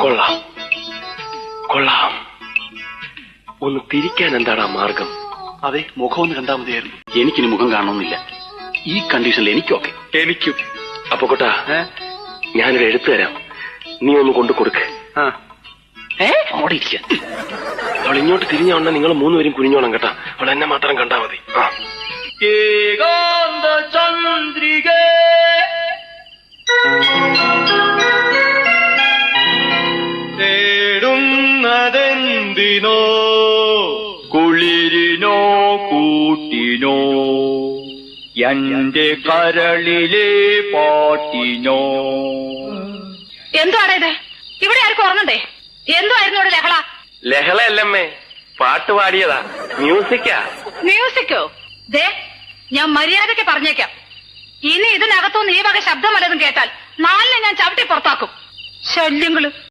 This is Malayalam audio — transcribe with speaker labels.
Speaker 1: കൊള്ളാം കൊള്ളാം. ഒന്ന് തിരിക്കാൻ എന്താടാ മാർഗം?
Speaker 2: അതെ, മുഖം ഒന്ന് കണ്ടാൽ മതിയായിരുന്നു.
Speaker 3: എനിക്കിനി മുഖം കാണണമെന്നില്ല. ഈ കണ്ടീഷനിൽ എനിക്കൊക്കെ.
Speaker 1: എനിക്കും. അപ്പൊ കൊട്ടാ, ഞാനൊരു എഴുത്ത് തരാം, നീ ഒന്ന് കൊണ്ടു കൊടുക്ക്.
Speaker 3: അവിടെ ഇരിക്ക.
Speaker 1: അവൾ ഇങ്ങോട്ട് തിരിഞ്ഞോണ്ട നിങ്ങൾ മൂന്നുപേരും കുനിഞ്ഞോണം കേട്ടാ. അവൾ എന്നെ മാത്രം കണ്ടാ മതി.
Speaker 2: ചന്ദ്രിക തേടുന്നതെന്തിനോ, കുളിരിനോ കൂട്ടിനോ, എന്റെ കരളിലെ പാട്ടിനോ.
Speaker 4: എന്തുവാണ് ഇത്? ഇവിടെ ആർക്കും ഉറങ്ങണ്ടേ? എന്തുവായിരുന്നു ഇവിടെ ലഹള?
Speaker 1: ലഹളയല്ലമ്മേ, പാട്ട് പാടിയതാ. മ്യൂസിക്കാ.
Speaker 4: മ്യൂസിക്കോ? ദേ, ഞാൻ മര്യാദയ്ക്ക് പറഞ്ഞേക്കാം, ഇനി ഇതിനകത്തുനിന്ന് ഈ വക ശബ്ദം വല്ലതും കേട്ടാൽ നാലിനെ ഞാൻ ചവിട്ടി പുറത്താക്കും. ശല്യങ്ങള്.